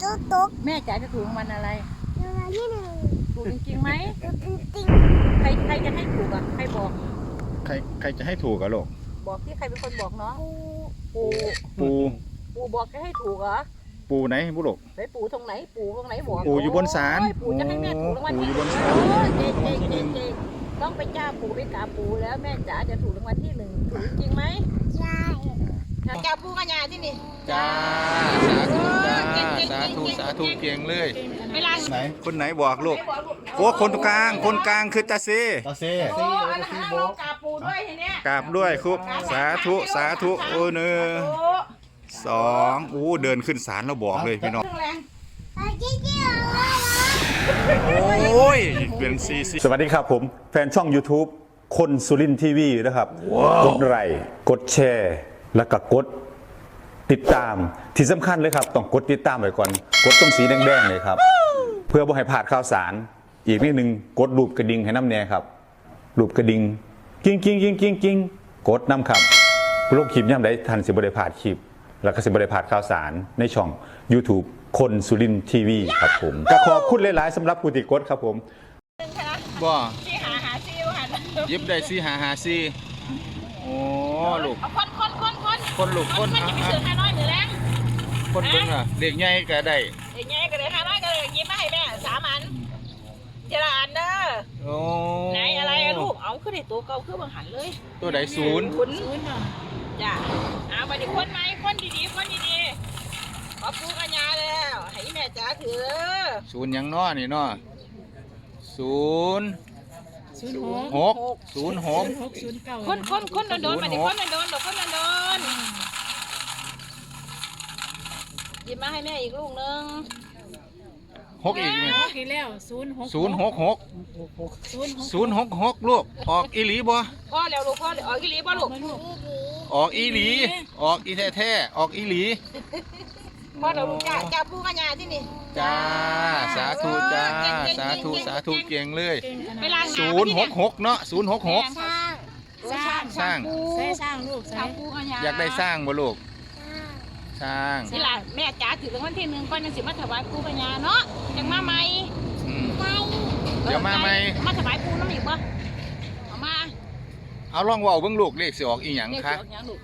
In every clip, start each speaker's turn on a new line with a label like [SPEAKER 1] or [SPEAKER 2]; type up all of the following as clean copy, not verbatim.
[SPEAKER 1] ตุ๊ก
[SPEAKER 2] แม่จ๋าจะถูกรางวัลอะไร
[SPEAKER 1] รางวัลที่หนึ่ง
[SPEAKER 2] ถูกจริงๆไหม
[SPEAKER 1] จริง
[SPEAKER 2] ใครจะให้ถูกอ่ะใครบอก
[SPEAKER 3] ใครจะให้ถูกอะลูก
[SPEAKER 2] บอกที่ใครเป็นคนบอกน้องปู
[SPEAKER 3] ปู
[SPEAKER 2] บอกจะให้ถูกเหรอ
[SPEAKER 3] ปูไหนบุลูก
[SPEAKER 2] ไหนปูตรงไหนปูตรงไหนบอก
[SPEAKER 3] ปูอยู่บนศาล
[SPEAKER 2] ปูจะให้แม่ถูกรางวัลที่หนึ่งเก่งต้องไปจ้าปูไปกราบปูแล้วแม่จ๋าจะถูกรางวัลที่หนึ่งถูกจริงไหม
[SPEAKER 1] ใช่
[SPEAKER 2] จ้าปูกัญญาที่นี่
[SPEAKER 3] จ้าสาธุสาธุเก่งเลย
[SPEAKER 2] เวลา
[SPEAKER 3] ไหนคนไหนบอกลูกโอ้คนกลางคือตาเซ
[SPEAKER 2] โอ้อันนั้นเรากราบปูด้วยทีเนี้ย
[SPEAKER 3] กราบด้วยครับสาธุโอ้หนึ่งสองอู้เดินขึ้นศาลเราบอกเลยพี่น้องโอ้ยเป็นซีสวัสดีครับผมแฟนช่อง YouTube คนสุรินทร์ทีวีนะครับกดไลค์กดแชร์แล้วก็กดติดตามที่สำคัญเลยครับต้องกดติดตามไว้ก่อนกดตรงสีแดงๆเลยครับเพื่อบ่ให้พลาดข่าวสารอีกนิดนึงกดรูปกระดิ่งให้น้ำแน่ครับรูปกระดิ่งกิ้งกดน้ำครับโลกคลิปย่ำได้ทันสิบได้พลาดคลิปแล้วก็สิบได้พลาดข่าวสารในช่อง YouTube คนสุรินทร์ทีวีครับผมก็ขอบคุณหลายๆสำหรับผู้ติดกดครับผมบ่
[SPEAKER 2] ที่หาซีวหัน
[SPEAKER 3] ยิบได้ซีหาซีโอ้ลูกคนลูกคน
[SPEAKER 2] มันจะไปซื้อ500หรือแรง
[SPEAKER 3] คนเบิ่งอ่ะเด็กใหญ่ก็ได้
[SPEAKER 2] เด็กใหญ่ก็ได้500ก็เลยยิ้มมาให้แม่3 อันเจริญเด้อ
[SPEAKER 3] โอ้
[SPEAKER 2] ไหนอะไรลูกเอาขึ้นในตัวเก่าขึ้นบางหันเลย
[SPEAKER 3] ตัวไหนศูนย์
[SPEAKER 2] จ้ะเอาไปดิคนไหมคนดีๆขอปูกัญญาแล้วให้แม่จ๋าถือ
[SPEAKER 3] ศูนย์ยังน้อนี่น้อ06
[SPEAKER 2] คนโดนมาดิคนโดนหยิบมาให้แม่อีกลูกนึง
[SPEAKER 3] 6อีกไหม
[SPEAKER 2] อีกแล้ว
[SPEAKER 3] 066ลูกออกอีหลีบ่
[SPEAKER 2] พ่อแล้วลูกพ่อออกอีหลีบ่ลูก
[SPEAKER 3] ออกอีหลีออกอีแท้ออกอีหลี
[SPEAKER 2] พ่อเดี๋ยวลูกจ้าปูกัญญาที่นี่
[SPEAKER 3] จ้าสาธุจ้าสาธุเก่งเลย066เนาะ066สร้าง
[SPEAKER 2] ลูกสร้างปูกัญญา
[SPEAKER 3] อยากได้สร้างบ่ลูกสร้าง
[SPEAKER 2] นี่ล่ะแม่จ๋าถือรางวัลที่1ก่อนยังสิมาถวายปูกัญญาเนาะยังมาใหม่
[SPEAKER 3] เดี๋ยวมาใหม่
[SPEAKER 2] มาถวายปูน้ำอีกบ่เอามา
[SPEAKER 3] เอาลองเว้าเบิ่งลูกเลขสิออกอีหยังคะ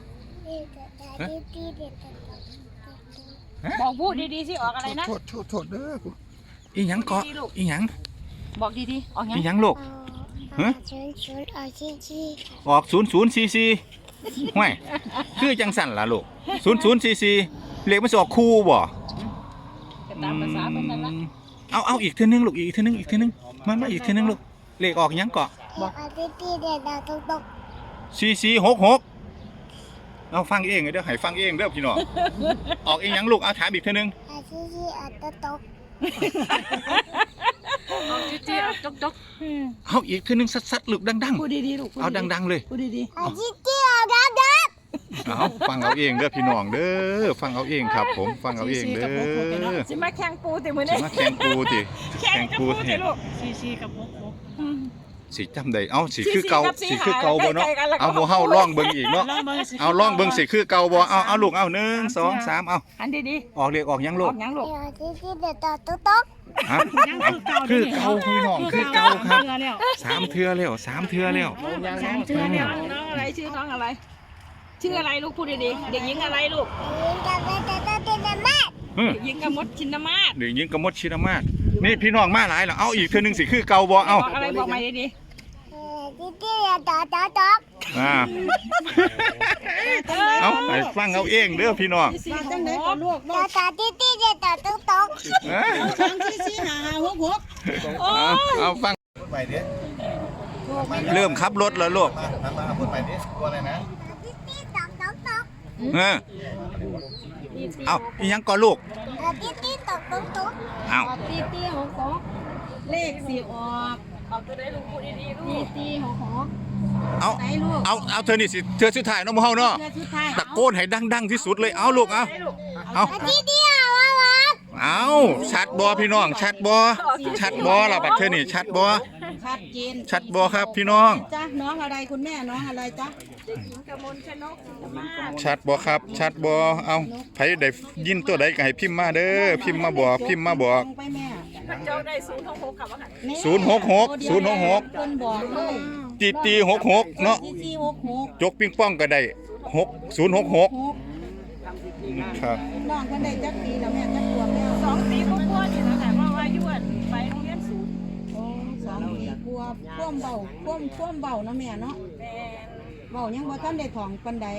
[SPEAKER 2] บอกพูดดีๆสิออกอะไรนะ
[SPEAKER 3] โทษเด้ออีหยังเกาะอีหยัง
[SPEAKER 2] บอกดีๆออก
[SPEAKER 3] อีหยังลูกฮะออก0044ห้วยคือจังสั่นล่ะลูก0044เลขมันสิออกคู่บ่
[SPEAKER 2] ตามภาษาเพิ่นนั่นล่ะ
[SPEAKER 3] เอาอีกเทื่อนึงลูกอีกเทื่อนึงมาอีกเทื่อนึงลูกเลขออกหยังเกาะ
[SPEAKER 1] บอก
[SPEAKER 3] 4466เอาฟังเองเด้อให้ฟังเองเด้อพี่น้องออกอีหยังลูกเอาถามอีกเทื่อนึงเอาอีกเทื่อนึงสัดๆลูกดังๆ
[SPEAKER 2] พูดดีๆลูก
[SPEAKER 3] เอาดังๆเลย
[SPEAKER 2] พูดดี
[SPEAKER 1] ๆ
[SPEAKER 3] เอาฟังเอาเองเด้อพี่น้องเด้อฟังเอาเองครับผมฟังเอาเองเด้อ
[SPEAKER 2] สิมาแข่งปูติมื้อนี้
[SPEAKER 3] สิมาแข่งปูติ
[SPEAKER 2] ลูก4กับ6
[SPEAKER 3] สิจำได้เอาสิคือเก่าบ่เนาะเอาบ่เฮาล่องเบิ่งอีกเนาะเอาล่องเบิ่งสิคือเก่าบ่เอาลูกเอา1 2 3เอา
[SPEAKER 2] อันดี
[SPEAKER 3] ๆออกเลขออกหยังลูกฮะคือเก่าพี่น้องคือเก่าครับ3เทื่อแล้ว
[SPEAKER 2] น้องอะไรชื่อน้องอะไรชื่ออะไรลูกพูดดีๆเด็กหญิงอะไรลูกเด็กหญิงกมลชินมาศ
[SPEAKER 3] นี่พี่น้องมาหลายแล้วเอาอีกเทื่อนึงสิคือเก่าบ่เอา
[SPEAKER 2] อะไรบอกใหม่ดี
[SPEAKER 3] เอาไปฟังเอาเองเด้อพี่น้องเอาฟังเริ่มขับรถแล้วลูกพูดใหม่ดิตัวอะไรนะเอาอีหยังก่อนลูกเอา
[SPEAKER 2] เลข4ออกตัวได้ลูกพูดดีๆลูก
[SPEAKER 3] เอาเธอนี่สิเธอสุดท้ายน้องเฮาเนาะตะโกนให้ดังๆที่สุดเลยเอาลูกเอาชัดบ่พี่น้องชัดบ่ล่ะบัดเธอนี่ชัดบ่
[SPEAKER 2] ชัดเจน
[SPEAKER 3] ชัดบ่ครับพี่น้อง
[SPEAKER 2] จ้ะน้องอะไรคุณแม่น้องอะไรจ๊ะเด็กหญิงกมลชนกสิงห์มาศ
[SPEAKER 3] ชัดบ่ครับชัดบ่เอาไผได้ยินตัวใดก็ให้พิมพ์มาเด้อพิมพ์มาบอกพิมพ์มาบอก
[SPEAKER 4] ไปแม่
[SPEAKER 2] พระเจ้าได้066กับว่าหัน
[SPEAKER 3] 066
[SPEAKER 4] เพิ่นบอกเลย
[SPEAKER 3] ตี66เนาะ
[SPEAKER 4] ที่66
[SPEAKER 3] จกปิงป้องก็ได้6066ครับ
[SPEAKER 4] น้องเพิ่นได้จักปีแล้วแม่จักขวบแล้ว
[SPEAKER 2] 2 ปีกว่าๆนี่นะคะเพราะว่าอยู่ไปโรงเรียนศูนย์
[SPEAKER 4] โอ้2 ปีกว่าพ่วมเบาพ่วมเบาเนาะแม่เนาะ
[SPEAKER 2] แม่
[SPEAKER 4] เบายังบ่ทันได้ถ่องปานใด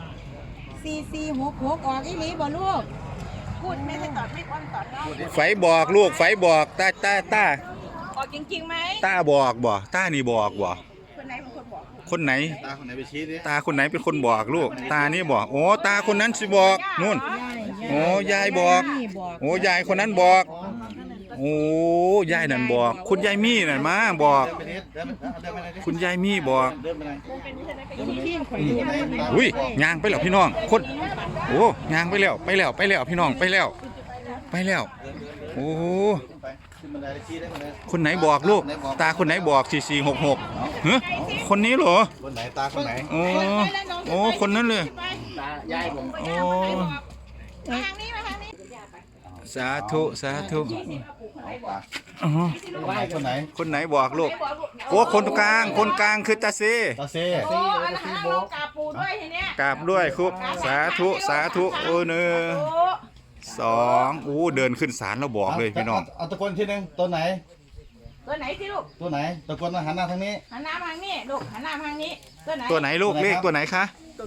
[SPEAKER 4] 4466ออกอีหลีบ่ลูก
[SPEAKER 2] พูดไม่ได้ตอดไม่อ้อนตอดเนาะ
[SPEAKER 3] ไฟบอกลูกไฟบอกตา
[SPEAKER 2] ออกจริงๆไหม
[SPEAKER 3] ตาบอกบ่ตานี่บอกบ่
[SPEAKER 2] คนไหนเป็นคนบอก
[SPEAKER 3] คนไหน
[SPEAKER 5] ตาคนไหนไปชี้ดิ
[SPEAKER 3] ตาคนไหนเป็นคนบอกลูกตานี่บอกโอ้ตาคนนั้นสิบอกนู่น โอ้ยายบอก
[SPEAKER 4] นี่บอก
[SPEAKER 3] โอ้ยายคนนั้นบอก โอ้ยายนั่นบอก คุณยายมี่นั่นมาบอก
[SPEAKER 5] เดินไปนิดเดินไปไหนดิ
[SPEAKER 3] คุณยายมี่บอก
[SPEAKER 5] เดินไปไหน
[SPEAKER 4] พี่ข่อยดูได้
[SPEAKER 3] อุ้ยยางไปแล้วพี่น้องคนโอ้ยางไปแล้วพี่น้องไปแล้วโอ้
[SPEAKER 5] ไปขึ้นบันไดไปชี้ได้คนไหน
[SPEAKER 3] คนไหนบอกลูกตาคนไหนบอก4466เฮ้ยคนนี้เหรอ
[SPEAKER 5] คนไหนตาคนไหน
[SPEAKER 3] โอ้คนนั้นเลย
[SPEAKER 5] ตายายผม
[SPEAKER 3] โอ้
[SPEAKER 2] มาทางนี้มาทางนี้
[SPEAKER 3] สาธุอ๋อ
[SPEAKER 5] คนไหน
[SPEAKER 3] คนไหนบอกลูกโอ้คนกลางคือตาเซ
[SPEAKER 5] ตาเซ่
[SPEAKER 2] โอ้อันนั้นลงกาปูด้วยทีเนี้ย
[SPEAKER 3] กราบด้วยครับสาธุโอ้เนอ
[SPEAKER 2] โอ้
[SPEAKER 3] 2อู้เดินขึ้นศาลแล้วบอกเลยพี่น้อง
[SPEAKER 5] เอาตะโกนทีนึงตัวไหน
[SPEAKER 2] ตัวไหนสิลูก
[SPEAKER 5] ตัวไหนตะโกนหันหน้าทางนี้
[SPEAKER 2] หันหน้ามาทางนี้ลูกหันหน้ามาทางนี้ตัวไหน
[SPEAKER 3] ตัวไหนลูกเลขตัวไหนคะ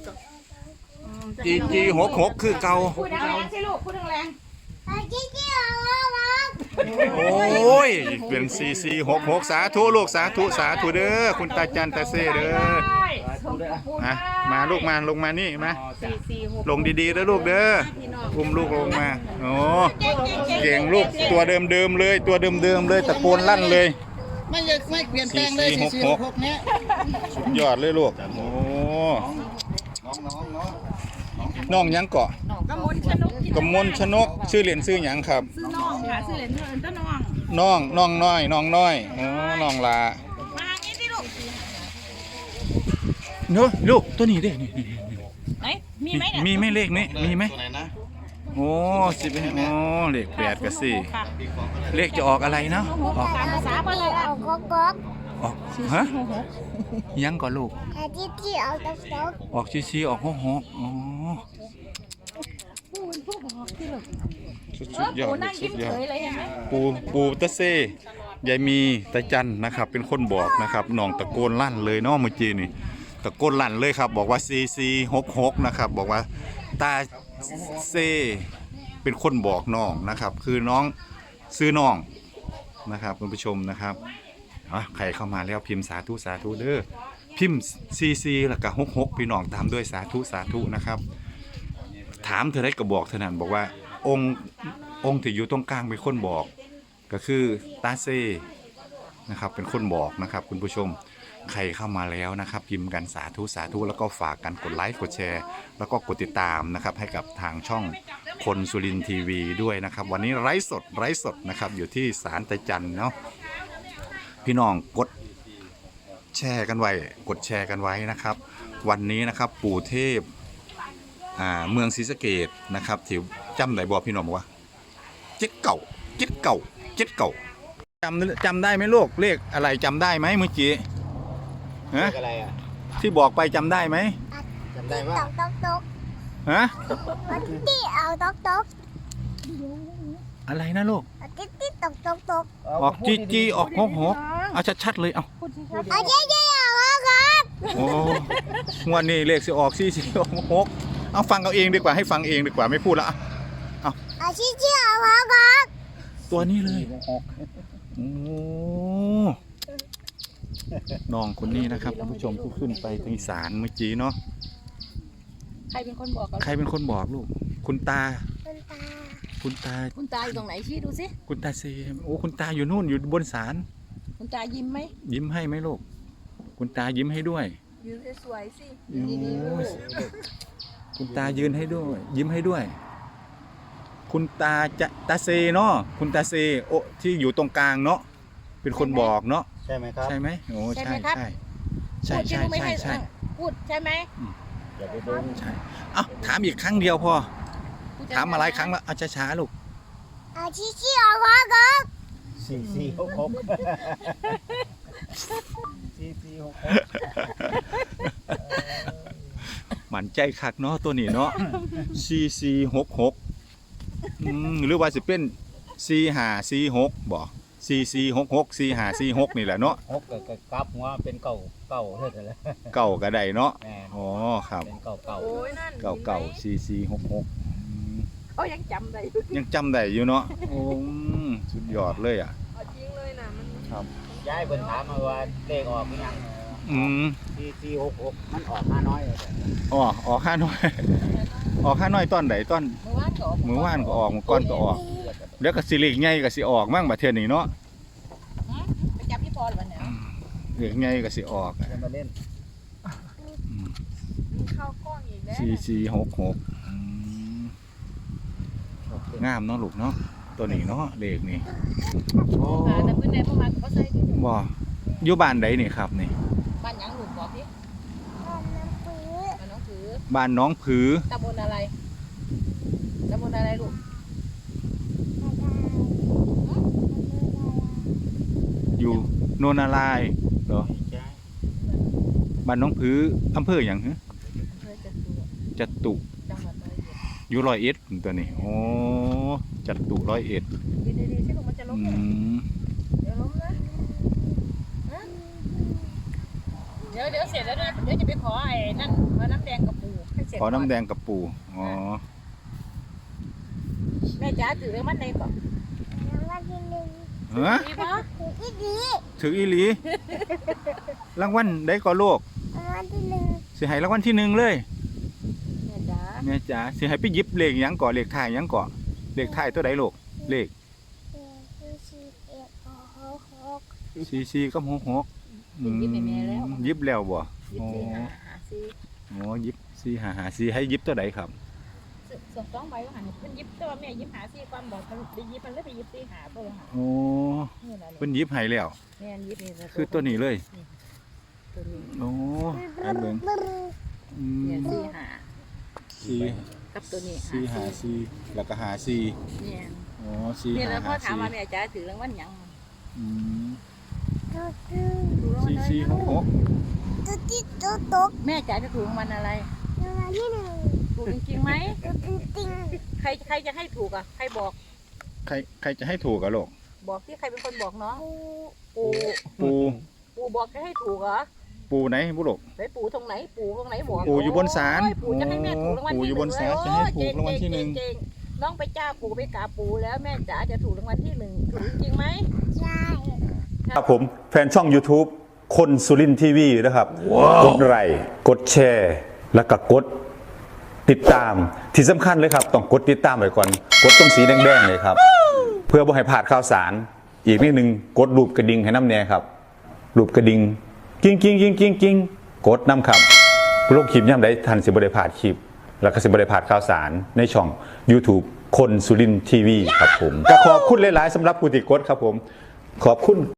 [SPEAKER 3] จี66คือเก่า
[SPEAKER 2] พูดแรงๆสิลูกพูดแรง
[SPEAKER 1] อาจิ๊กจิ๊กเอามา
[SPEAKER 3] โอ้ยเป็น4466สาธุลูกสาธุเด้อคุณตาจันตาเซเด้อ
[SPEAKER 2] ได้ส่งปู
[SPEAKER 3] ฮะมาลูกมาลงมานี่มา
[SPEAKER 4] 446
[SPEAKER 3] ลงดีๆเด้อลูกเด้ออุ้มลูกลงมาโอ้ เก่งลูกตัวเดิมๆเลยตัวเดิมๆเลยตะโกนลั่นเลย
[SPEAKER 4] ไม่เปลี่ยนแปลงเลย
[SPEAKER 3] 446เนี้ยสุดยอดเลยลูกโอ้ น้องหยังเกาะ
[SPEAKER 2] กมลชนก
[SPEAKER 3] กมลชนกชื่อเหรียญชื่อหยังครับ
[SPEAKER 2] ซื้อน้องค่ะซื้อเหรียญเงินต้นน้อง
[SPEAKER 3] น้องน้อยโอ้น้องลา
[SPEAKER 2] มาทางนี้สิลูก
[SPEAKER 3] เนอะลูกตัวนี้เด้นี่
[SPEAKER 2] ไหนมีไหมเนี่ย
[SPEAKER 3] มีไหมเลขนี้มีไหม
[SPEAKER 5] ตัวไหนนะ
[SPEAKER 3] โอ้11โอ้เลข8กับ4เลขจะออกอะไรเนาะออก
[SPEAKER 2] ตามภาษาบ้านเรา
[SPEAKER 1] เอาก๊อกก๊อก
[SPEAKER 3] ออกฮะยังก่อนลูก
[SPEAKER 1] อาจิ๊กจิ๊กเอาต๊อกต๊อก
[SPEAKER 3] ออกชี้ออก66อ๋อสุดยอด
[SPEAKER 2] ปูนั่ง
[SPEAKER 3] สุ
[SPEAKER 2] ยิ้
[SPEAKER 3] ด
[SPEAKER 2] ม
[SPEAKER 3] ยอ
[SPEAKER 2] เฉ
[SPEAKER 3] ด
[SPEAKER 2] ยเลยเห็นไหม
[SPEAKER 3] ปูตะเซยายมีตาจันนะครับเป็นคนบอกนะครับน้องตะโกนลั่นเลยเนาะเมื่อกี้นี่ตะโกนลั่นเลยครับบอกว่า4466นะครับบอกว่าตาเซเป็นคนบอกน้องนะครับคือน้องซื้อน้องนะครับคุณผู้ชมนะครับใครเข้ามาแล้วพิมพ์สาธุเด้อพิมพ์44แล้วก็66พี่น้องตามด้วยสาธุนะครับถามเธอได้ก็บอกเท่านั้นบอกว่าองค์ที่อยู่ตรงกลางเป็นคนบอกก็คือตาเซนะครับเป็นคนบอกนะครับคุณผู้ชมใครเข้ามาแล้วนะครับพิมพ์กันสาธุแล้วก็ฝากกันกดไลค์กดแชร์แล้วก็กดติดตามนะครับให้กับทางช่องคนสุรินทร์ทีวีด้วยนะครับวันนี้ไลฟ์สดนะครับอยู่ที่ศาลตาจันเนาะพี่น้องกดแชร์กันไว้กดแชร์กันไว้นะครับวันนี้นะครับปู่เทพเมืองศรีสะเกษนะครับที่จำได้บอกพี่น้องบอกว่าเจ็ดเก่าจำได้ไหมลูกเลขอะไรจำได้ไหมเมื่อกี้ฮะ
[SPEAKER 5] อะไรอ่ะ
[SPEAKER 3] ที่บอกไปจำได้ไหม
[SPEAKER 5] จำได้
[SPEAKER 1] ต๊
[SPEAKER 5] ว่า
[SPEAKER 1] อกต๊อกต๊อก
[SPEAKER 3] ฮะ
[SPEAKER 1] อาจิ๊กจิ๊กเอาต๊อกต๊อก
[SPEAKER 3] อะไรนะลูก
[SPEAKER 1] อาจิ๊กจิ๊กต๊อกต๊อกต๊อก
[SPEAKER 3] ออกจีออก66เอาชัดๆเลยเอา
[SPEAKER 1] อาจิ๊กจิ๊กเอาก๊อกก๊อก
[SPEAKER 3] โอ้งวดนี้เลขสิออก4466เอาฟังเอาเองดีกว่าให้ฟังเองดีกว่าไม่พูดละ
[SPEAKER 1] อาจิ๊กจิ๊กเอาก๊อกก๊อก
[SPEAKER 3] ตัวนี้เลยโอ้น้องคนนี้นะครับท่านผู้ชมที่ขึ้นไปทางศาลเมื่อกี้เนาะ
[SPEAKER 2] ใครเป็นคนบอกกัน
[SPEAKER 3] ใครเป็นคนบอกลูกคุณตา
[SPEAKER 1] คุณตา
[SPEAKER 2] คุณตาอยู่ตรงไหนชี้ดูสิ
[SPEAKER 3] คุณตาเซโอ้คุณตาอยู่นู่นอยู่บนศาล
[SPEAKER 2] คุณตายิ้มไหม
[SPEAKER 3] ยิ้มให้ไหมลูกคุณตายิ้มให้ด้วย
[SPEAKER 2] ยืนสวยๆสิ
[SPEAKER 3] โอ้ยคุณตายืนให้ด้วย ยิ้มให้ด้วย คุณตาเซเนาะคุณตาเซโอที่อยู่ตรงกลางเนาะเป็นคนบอกเนาะ
[SPEAKER 5] ใช่ไหมครับ
[SPEAKER 3] ใช่ไหมโอ้ใช่
[SPEAKER 2] พูดใช่ไหม
[SPEAKER 5] อย่าไปเบิ้ง
[SPEAKER 3] ใช่เอ้าถามอีกครั้งเดียวพอถามมาหลายครั้งแล้วเอาช้าๆลูก
[SPEAKER 1] อาชิชิอาวาครับ
[SPEAKER 5] 4466
[SPEAKER 3] หมั่นใจคักเนาะตัวนี้เนาะ 4466หรือว่าสิเป็น4546บ่4466 4546นี่แหละเนาะ
[SPEAKER 6] 6ก็กลับหัวเป็นเก่าเท่านั้นแหละ
[SPEAKER 3] เก่าก็ได้เนาะ
[SPEAKER 6] แม่น
[SPEAKER 3] อ๋อครับ
[SPEAKER 6] เป็นเก่า
[SPEAKER 2] โอ้ยนั่น
[SPEAKER 3] เก่า4466
[SPEAKER 2] เขายังจำได้อยู่
[SPEAKER 3] ยังจำได้อยู่เนาะโอ้สุดยอดเลยอ่ะ
[SPEAKER 2] เอาจริงเลยนะมัน
[SPEAKER 3] ครับ
[SPEAKER 6] ยายเพิ่นถามมาว่าเลขออกหรือยัง 4466มันออกมาน้อยเลย
[SPEAKER 3] อ๋อออก5น้อย ออก5น้อยตอนไหนตอน
[SPEAKER 2] เมื่อวานก็ออก
[SPEAKER 3] มื้อวานก็ออกมื้อก่อนก็ออกแล้วก็สิเลขใหญ่ก็สิออกมั่งบัดเทื่อนี้เนาะ
[SPEAKER 2] ไปจับพี่พรวันเนี่ย
[SPEAKER 3] เลขใหญ่ก็สิออก
[SPEAKER 6] จะมาเล่น
[SPEAKER 2] มันเข้ากล้องอีกแล้ว
[SPEAKER 3] 4466งามเนาะลูกเนาะตัวนี้เนาะเลขนี่โอ้
[SPEAKER 2] มาแต่เพื่อนในพวกมันก็ใส่ที่หนึ่ง
[SPEAKER 3] บ่อยู่บ้านใดนี่ครับนี่
[SPEAKER 2] บ้านหยังหลุดบอกพี่
[SPEAKER 1] น้ำปื้อ
[SPEAKER 2] บ้านน้องผือ
[SPEAKER 3] บ้านน้องผือ
[SPEAKER 2] ตำบลอะไรตำบลอะไรลูก
[SPEAKER 3] อยู่โนนนารายณ์เหรอบ้านน้องผืออำเภอหยังฮะ
[SPEAKER 2] เพื่อจะตัว
[SPEAKER 3] จตุ
[SPEAKER 2] จังหวัดร้อยเอ็ด
[SPEAKER 3] อยู่ร้อยเอ็ดตัวนี้โอ้จตุร้อยเอ็ด
[SPEAKER 2] ดีๆใช่ลูกมันจะล้ม
[SPEAKER 3] อื
[SPEAKER 2] เนี่ย
[SPEAKER 3] ม
[SPEAKER 2] เดี๋ยวล้มนะฮะเดี๋ยวเสร็จแล้วนะเดี๋ยวจะไปขอไอ้นั่นขอน้ำแดงกับปูให้เสร็จ
[SPEAKER 3] ขอน้ำแด
[SPEAKER 2] ก่
[SPEAKER 3] งกับปูอ๋อ
[SPEAKER 2] แม่จ๋าถือเรื่องมันในก่อน
[SPEAKER 1] รางวัลที่หนึ่ง
[SPEAKER 3] ฮะ
[SPEAKER 2] ดีปะ
[SPEAKER 1] ถูกที่ดี
[SPEAKER 3] ถืออีหลีรางวัลได้ก็โลก
[SPEAKER 1] รางวัลที่หนึ่ง
[SPEAKER 3] สิให้รางวัลที่หนึ่งเลย
[SPEAKER 2] แม่จ๋า
[SPEAKER 3] แม่จ๋าสิให้ไปหยิบเลขหยังก่อเลขท้ายหยังก่อเลขท้ายตัวใดลูกเลข 44กับ66หยิบแล้วบ่
[SPEAKER 2] ยิบสี่หาสี่
[SPEAKER 3] อ๋อหยิบ4554ให้หยิบตัวใดครับ
[SPEAKER 2] ส่วนสองใบว่าหันเพิ่นยิบแต่ว่าแม่ยิบหาสี่ความบอกมันไปยิบมันเลยไปยิบสี่หาตัวหา
[SPEAKER 3] โอ้
[SPEAKER 2] นี่แหละ
[SPEAKER 3] เพิ่นหยิบให้แล้ว
[SPEAKER 2] แม่ยิบนี่
[SPEAKER 3] คือตัวนี้เลย
[SPEAKER 2] ตัวนี้
[SPEAKER 3] โอ้อันเบิ่งอื
[SPEAKER 2] เนี่ย
[SPEAKER 3] ม
[SPEAKER 2] สี่หา
[SPEAKER 3] สี่
[SPEAKER 2] กับตัวนี้
[SPEAKER 3] สี่หาสี่แล้วก็หาสี่
[SPEAKER 2] เนี่ย
[SPEAKER 3] อ๋อสี่
[SPEAKER 2] เนี่ย
[SPEAKER 3] หา
[SPEAKER 2] แล้วพ่อ
[SPEAKER 3] หา
[SPEAKER 2] ถาม
[SPEAKER 3] สี่
[SPEAKER 2] ว่าแม่จ๋าถือรางวัลหยัง
[SPEAKER 3] อืม
[SPEAKER 2] ถูกรางวัล
[SPEAKER 3] สี่
[SPEAKER 2] อะไร
[SPEAKER 3] 466
[SPEAKER 1] ตัวที่ตัวตก
[SPEAKER 2] แม่จ๋าจะถูกรางวัลอะไร
[SPEAKER 1] รางวัลที่หนึ่ง
[SPEAKER 2] ถูกจริงๆไหม
[SPEAKER 1] ตัวจริง
[SPEAKER 2] ใครจะให้ถูกอ่ะใครบอก
[SPEAKER 3] ใครจะให้ถูกอะลูก
[SPEAKER 2] บอกที่ใครเป็นคนบอกน้อง
[SPEAKER 1] ปู
[SPEAKER 2] ปู
[SPEAKER 3] ปู
[SPEAKER 2] บอกจะให้ถูกเหรอ
[SPEAKER 3] ปูไหนบุลูก
[SPEAKER 2] ไหนปูตรงไหนปูตรงไหนบอก
[SPEAKER 3] ปู่อยู่บนศาล
[SPEAKER 2] โอ้ยปู่จะให้แม่ถูกรางวัล
[SPEAKER 3] ปู่
[SPEAKER 2] ที่
[SPEAKER 3] อยู่บนศาล
[SPEAKER 2] โ
[SPEAKER 3] จะให้ถูกรางวัลที่หนึ่ง
[SPEAKER 2] เก่งๆน้องไปจ้าปู่ไปกราบปู่แล้วแม่จ๋าจะถูกรางวัลที่หนึ่งถูกจริงไหม
[SPEAKER 1] ใช่
[SPEAKER 3] ครับผมแฟนช่อง YouTube คนสุรินทีวีนะครับกดไลค์กดแชร์ แล้วก็กดติดตามที่สำคัญเลยครับต้องกดติดตามไว้ก่อนกดตรงสีแดงๆเลยครับเพื่อบ่ให้พลาดข่าวสารอีกนิดนึงกดรูปกระดิ่งให้น้ำแน่ครับรูปกระดิ่งกิ้งกดน้ำครับโลกคลิปย่ำได้ทันสิบได้พลาดคลิป แล้วก็สิบได้พลาดข่าวสารในช่อง YouTube คนสุรินทีวีครับผมก็ขอบคุณหลายๆสำหรับผู้ติดกดครับผมขอบคุณ